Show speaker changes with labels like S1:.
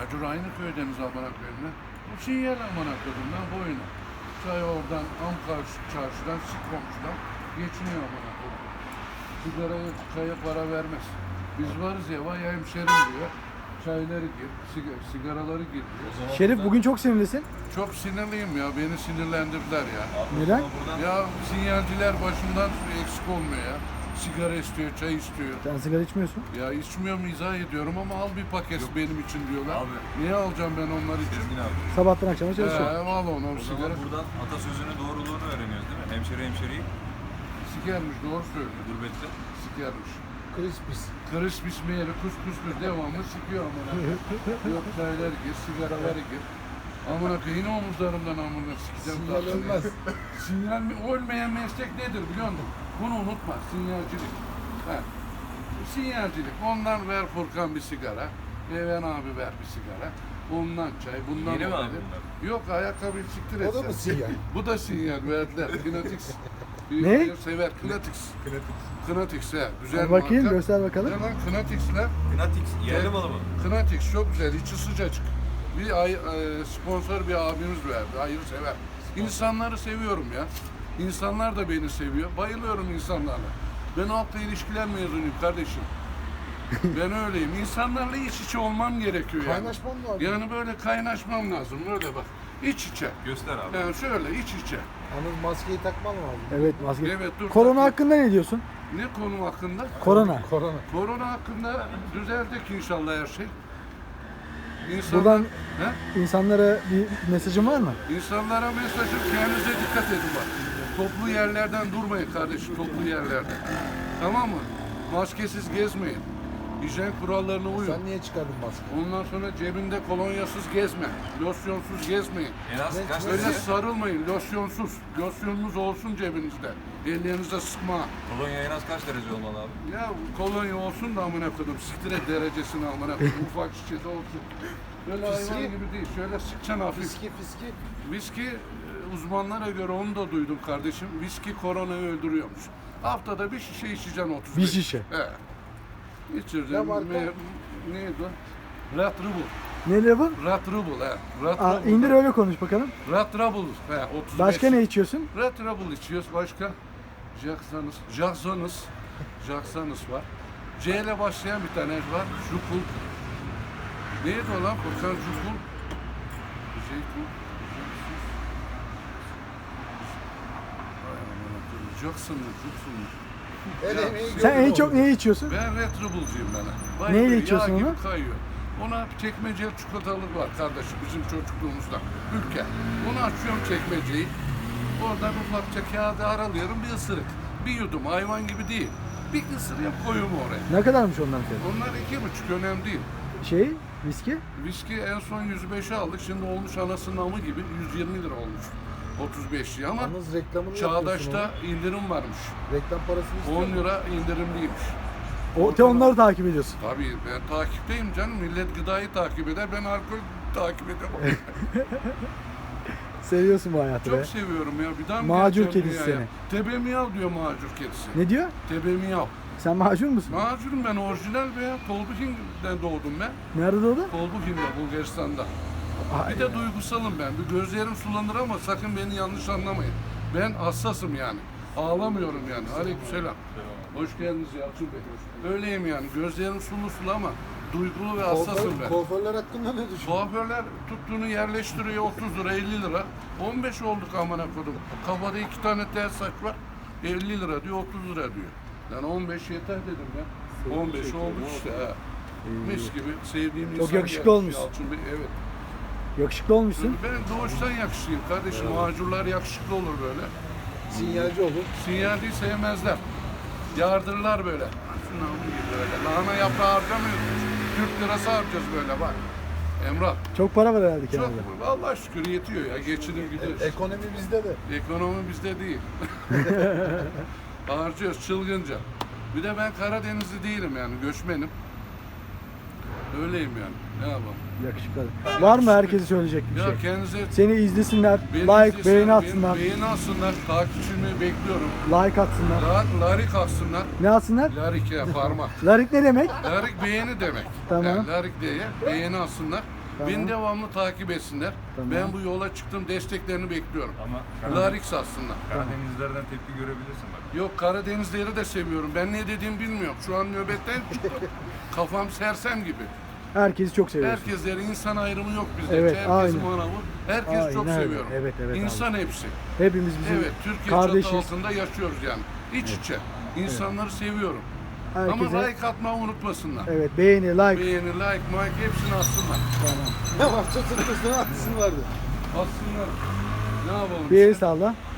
S1: Acur aynı köydeniz amına koyayım lan. Bu sinyal amına koydum lan boyuna. Çay oradan çarşıdan sık komşudan geçiniyor amına koydum. Sigaraya çaya para vermez. Biz varız ya vay hemşerim diyor. Çayları gir, sigaraları gir diyor.
S2: Şerif bugün çok sinirlisin.
S1: Çok sinirliyim ya, beni sinirlendirdiler ya.
S2: Neden?
S1: Ya sinyalciler başımdan eksik olmuyor ya. Sigara istiyor, çay istiyor.
S2: Sen sigara içmiyorsun.
S1: Ya içmiyorum izah ediyorum ama al bir paket benim için diyorlar.
S3: Abi.
S1: Niye alacağım ben onlar için?
S3: Sezgin abi.
S2: Sabahtan akşama çalışıyorsun.
S1: Al onu
S3: O
S1: sigara.
S3: zaman buradan atasözünün doğruluğunu öğreniyoruz değil mi? Hemşeriyi
S1: Sikermiş doğru söylüyor.
S3: gurbette.
S1: Sikermiş.
S4: Crispis.
S1: Krispis meyeli kuskus devamlı sikiyor amına. Yok çaylar gir, sigaraları gir. Amına koyayım yine omuzlarımdan amına sikeceğim.
S4: Sinyal
S1: tatlını.
S4: ölmez.
S1: Sinyal mi? Ölmeyen meslek nedir biliyor musun? Bunu unutma. Sinyalcilik. Ha. Sinyalcilik. Ondan ver Furkan bir sigara. Even abi ver bir sigara. Ondan çay, bundan
S3: Yeni mi
S1: o
S3: abi
S1: dedi.
S3: bunlar?
S1: Yok ayakkabıyı siktir et
S4: O da
S1: sen.
S4: mı sinyal?
S1: Bu da sinyal verdiler. Kinetix.
S2: Ne?
S1: Sever. Kinetix. Kinetix he. Güzel
S2: Hadi bakayım
S1: marka.
S2: göster bakalım.
S1: Ne lan Kinetix'ler?
S3: Knatix yerli malı mı?
S1: Knatix çok güzel, içi sıcacık. Sponsor bir abimiz verdi, hayır sever. İnsanları seviyorum ya. İnsanlar da beni seviyor. Bayılıyorum insanlarla. Ben halkla ilişkiler mezunuyum kardeşim. Ben öyleyim. İnsanlarla iç içe olmam gerekiyor yani.
S4: Kaynaşman var.
S1: Yani böyle kaynaşmam lazım. Öyle bak. İç içe.
S3: Göster abi.
S1: Yani şöyle iç içe.
S4: Yalnız maskeyi takman lazım.
S2: Evet maske.
S1: Evet, dur,
S2: Korona
S1: takayım.
S2: hakkında ne diyorsun?
S1: Ne konu hakkında?
S2: Korona.
S4: Korona.
S1: Korona hakkında düzeldik inşallah her şey.
S2: Buradan
S1: He?
S2: insanlara bir mesajın var mı?
S1: İnsanlara mesajım kendinize dikkat edin bak. Toplu yerlerden durmayın kardeşim, toplu yerlerden. Tamam mı? Maskesiz gezmeyin. Hijyen kurallarına uyun.
S4: Sen niye çıkardın maskeyi?
S1: Ondan sonra cebinde kolonyasız gezme. Losyonsuz gezmeyin.
S3: En az kaç
S1: Öyle
S3: tane
S1: sarılmayın, losyonsuz. Losyonunuz olsun cebinizde. Ellerinize sıkma.
S3: kolonya en az kaç derece olmalı abi?
S1: Ya kolonya olsun da amına koydum. Siktir derecesini amına koydum. Ufak şişede olsun. Böyle hayvan
S4: Fiski.
S1: gibi değil. Şöyle sıkacaksın hafif.
S4: Fiski.
S1: Viski uzmanlara göre onu da duydum kardeşim. Viski koronayı öldürüyormuş. Haftada bir şişe içeceksin 35.
S2: Bir şişe.
S1: He. İçirdim.
S4: Ne marka?
S1: Neydi o? Rat Rubble.
S2: Ne bu?
S1: Rat Rubble he. Rat
S2: Aa,
S1: Rubble.
S2: indir öyle konuş bakalım.
S1: Rat Rubble. He 35.
S2: Başka ne içiyorsun?
S1: Rat Rubble içiyoruz. Başka? Jackson's var. C ile başlayan bir tane var. Jukul. Neydi o lan? Furkan Jukul. Jackson mı?
S4: El emeği
S2: Sen en
S4: gördün
S2: çok
S4: orada.
S2: neyi içiyorsun?
S1: Ben Red Rubble'cıyım ben.
S2: Neyle
S1: Bayılıyor,
S2: içiyorsun
S1: yağ gibi
S2: onu?
S1: kayıyor. Ona çekmeceli çikolatalık var kardeşim bizim çocukluğumuzda. Ülke. Onu açıyorum çekmeceyi. Oradan ufakça kağıdı aralıyorum bir ısırık. Bir yudum hayvan gibi değil. Bir ısırıyorum koyuyorum oraya.
S2: Ne kadarmış onların fiyatı?
S1: Onlar 2,5 önemli değil.
S2: Şey, viski?
S1: Viski en son 105'e aldık. Şimdi olmuş anasının amı gibi 120 lira olmuş. 35'li ama
S4: Yalnız reklamını yapıyorsun
S1: Çağdaş'ta indirim varmış.
S4: onu. Reklam parasını
S1: 10
S4: istiyor.
S1: lira indirimliymiş.
S2: Onları takip ediyorsun.
S1: Tabii ben takipteyim canım. Millet gıdayı takip eder. Ben alkol takip edemem.
S2: Seviyorsun bu hayatı be.
S1: Çok seviyorum ya. Bir daha mı
S2: Macur
S1: geleceğim
S2: kedisi
S1: dünyaya?
S2: seni.
S1: Tebe miyav diyor macur kedisi.
S2: Ne diyor?
S1: Tebe miyav.
S2: Sen macun musun?
S1: Macurum ben orijinal be ya. Tolbuhin'den doğdum ben.
S2: Nerede doğdun?
S1: Tolbuhin'de Bulgaristan'da.
S2: Ay,
S1: Bir de duygusalım ben. Bir gözlerim sulanır ama sakın beni yanlış anlamayın. Ben hassasım yani. Ağlamıyorum yani. Aleykümselam. Hoş geldiniz Yalçın Bey. Öyleyim yani. Gözlerim sulu ama duygulu ve hassasım ben.
S4: Kuaförler hakkında ne düşünüyorsun?
S1: Kuaförler tuttuğunu yerleştiriyor 30 lira 50 lira. 15 olduk amına kodum. Kafada 2 tane tel saç var. 50 lira diyor 30 lira diyor. Yani 15 yeter dedim ben. 15 olduk işte ha. Mis gibi sevdiğim
S2: Çok
S1: insan
S2: yakışıklı
S1: gelmiş
S2: olmuşsun.
S1: Yalçın Bey, evet.
S2: yakışıklı olmuşsun.
S1: Ben doğuştan yakışıklıyım kardeşim. Macurlar yakışıklı olur böyle.
S4: Sinyalci olur.
S1: Sinyal değil sevmezler. Yardırlar böyle. Şuna gibi böyle. Lahana yaprağı harcamıyoruz. Türk lirası harcayacağız böyle bak. Emrah.
S2: Çok para var herhalde
S1: Çok
S2: kenarda.
S1: vallahi şükür yetiyor ya. Geçinir gidiyoruz.
S4: Ekonomi bizde de.
S1: Ekonomi bizde değil. Harcıyoruz çılgınca. Bir de ben Karadenizli değilim yani göçmenim. Öyleyim yani. Ne yapalım?
S2: Yakışıklı. Var mı herkese söyleyecek bir
S1: Ya
S2: şey?
S1: kendinize
S2: Seni izlesinler,
S1: beni
S2: like,
S1: izlesin,
S2: beğeni
S1: beni
S2: atsınlar,
S1: beğeni atsınlar. Takipçimi bekliyorum.
S2: like atsınlar.
S1: Larik atsınlar.
S2: Ne atsınlar?
S1: Larik ya parmak.
S2: Larik ne demek?
S1: Larik beğeni demek.
S2: Tamam.
S1: Yani larik diye beğeni alsınlar.
S2: Tamam.
S1: Beni devamlı takip etsinler.
S2: Tamam.
S1: Ben bu yola çıktım, desteklerini bekliyorum.
S3: Ama
S1: Larix aslında.
S3: Karadenizlerden tepki görebilirsin bak.
S1: Yok, Karadenizleri de seviyorum. Ben ne dediğimi bilmiyorum. Şu an nöbetten çıktım. Kafam sersem gibi.
S2: Herkesi çok seviyorsun.
S1: Herkesleri, insan ayrımı yok bizde.
S2: Evet,
S1: Herkes
S2: aynen.
S1: manavı. Herkes
S2: Aynen
S1: çok
S2: öyle.
S1: seviyorum.
S2: Evet, evet
S1: İnsan hepsi.
S2: Hepimiz bizim
S1: Evet, Türkiye çatı
S2: kardeşiz.
S1: altında yaşıyoruz yani. İç içe. İnsanları seviyorum. Ama
S2: Herkese
S1: like atmayı unutmasınlar.
S2: evet, beğeni, like.
S1: Beğeni, like, hepsini atsınlar.
S2: Tamam.
S4: Ne var? Çatırtmasına atsın vardı.
S1: Atsınlar. Ne yapalım?
S2: Bir el
S1: işte?
S2: salla.